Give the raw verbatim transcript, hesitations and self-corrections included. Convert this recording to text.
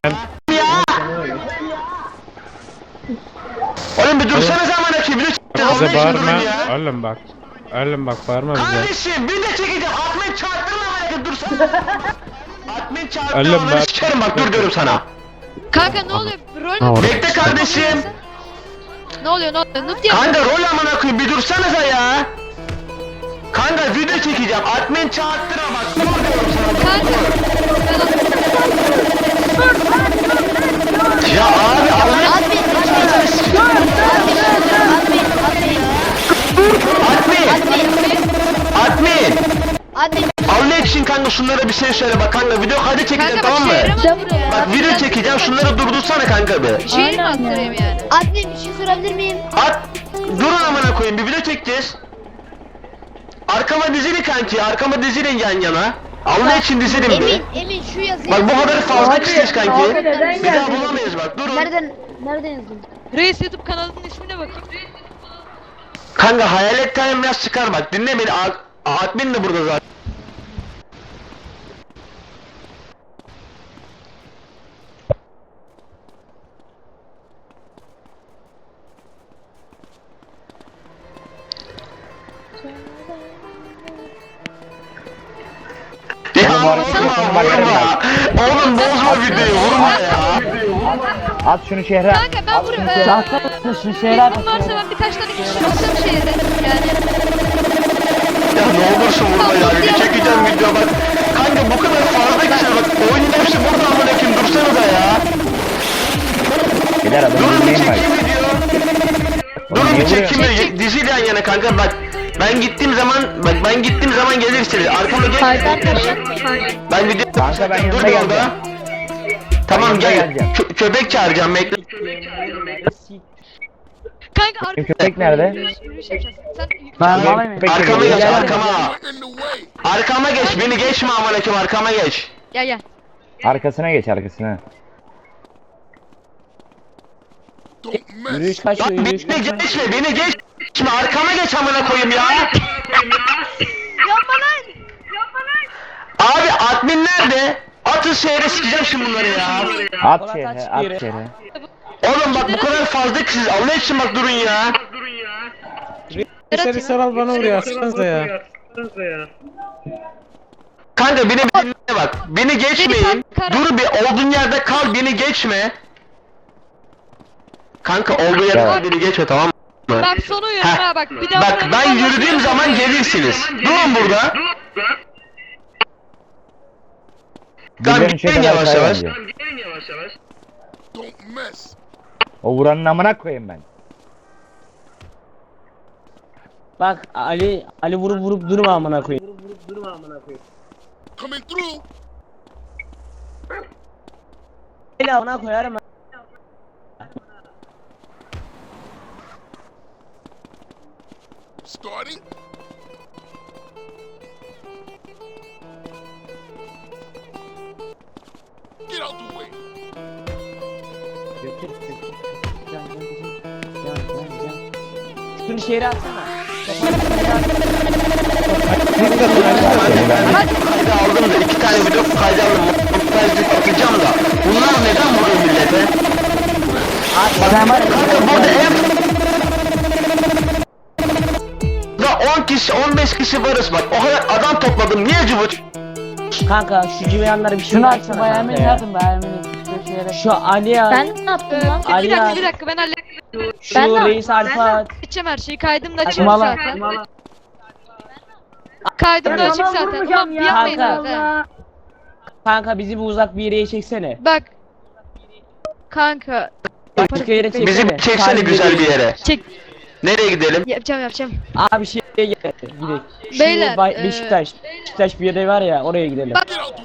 Oğlum bir dursana zaman açayım. Bize bağırma. Oğlum bak. Oğlum bak bağırma bize. Kardeşim bir de çekeceğim. Admin çarptırma bana dursana. Admin çarptırma Oğlum bana bak. sikerim bak dur diyorum sana. Kanka ne oluyor? Rol mü? Bekle kardeşim. Ne oluyor ne oluyor? Noob diye. Kanka rol amına koyayım bir dursanıza ya. Kanka video çekeceğim. Admin çarptırma bak dur diyorum sana. Kanka. Ya abi Allah. Admin, admin, admin, Admin. Admin. admin. Allah için kanka şunlara bir şey söyle bak kanka video kaydı çekeceğim Kanka tamam bak mı? şehre mi buraya? Bak video çekeceğim şunları durdursana kanka bir. Şehir mi attırayım yani? Admin bir şey sorabilir miyim? At. Durun amına koyayım bir video çekeceğiz. Arkama dizili kanki arkama dizilin yan yana. Allah için dizilin bir. Emin, Emin şu yazıyı. Bak bu kadar fazla kişiyiz kanki. abi neden Bir daha geldin? bulamayız bak durun. Nereden, nereden yazdın? Reis YouTube kanalının ismine bakayım. Kanka hayalet time biraz çıkar bak dinle beni. A- Admin de burada zaten. Ya vurma vurma. Oğlum bozma videoyu vurma ya. At şunu şehre. Kanka ben buraya... Eee... Şunu şehre at. Bilgim varsa ben birkaç tane kişi çıksam şehirde yani. Ya ne olursun vurma ya. Bir çekeceğim video bak. Kanka bu kadar fazla kişi bak. Oyunun hepsi burada amına koyayım dursana da ya. Gider adam Durun bir dinleyin bak. çekeyim video. Oğlum Durun niye bir çekeyim vuruyorsun? video. Diziyle yan yana kanka bak. Ben gittiğim zaman bak ben gittiğim zaman gelirsiniz. Arkama geç. Ben video Kanka ben dur yanına bir geleceğim. orada. Tamam yanına gel. geleceğim. Kö- köpek çağıracağım bekle. Kanka Benim köpek nerede? Yürüyüş yapacağız. Sen... Benim köpek Arkama geliyor. geç Gel. arkama. Arkama geç beni geçme amına koyayım arkama geç. Gel gel. Arkasına geç arkasına. Yürüyüş kaç Lan beni geçme beni geçme arkama geç amına koyayım ya. Yapma lan! Abi admin nerede? Atın şehre sikeceğim şimdi bunları ya. At şehre at şehre. Oğlum bak bu kadar fazla kişiyiz Allah için bak durun ya. Dışarı saral bana vuruyor atsanıza ya. Kanka beni bir dinle bak. Beni geçmeyin. Dur bir olduğun yerde kal beni geçme. Kanka olduğu yerde kal beni geçme tamam mı? Bak sonu uyarım Heh. ha bak bir daha... Bak ben yürüdüğüm zaman gelirsiniz. Durun burada. Tamam Birilerinin gelin çetene yavaş yavaş. bence. O vuranın amına koyayım ben. Bak Ali Ali vurup vurup durma amına koyayım. Coming through. Ali amına koyarım. Starting. Get out the way. Götür götür. Can can can. Can can can. Şunu şehre atsana. Kaydı aldım da iki tane video kaydı aldım. Montajlık atacağım da. Bunlar neden vuruyor millete? Sen var ya. Kanka burada en da on kişi on beş kişi varız bak. O kadar adam topladım. Niye cıvıt? Kanka şu civayanlara bir şey Şunu atsana açsın bayağı kanka ya. yazın bayağı şu şehre. Şu Ali ya. Ben ne yaptım lan? Bir Ali dakika ya. bir dakika ben halledeceğim Şu Ben de- reis alfa at. her şeyi kaydımda açık Saçmalama. zaten. Kaydımda açık zaten. Ulan bir yapmayın Kanka. zaten. Kanka bizi bir uzak bir yere çeksene. Bak. Kanka. Başka yere çeksene. Bizi bir çeksene Sadece güzel bir reis. yere. Çek. Nereye gidelim? Yapacağım yapacağım. Abi şeye gidelim. Gidelim. Şu Beyler, Bay- eee, Beşiktaş. Beşiktaş bir yere var ya oraya gidelim. Bak. Get out the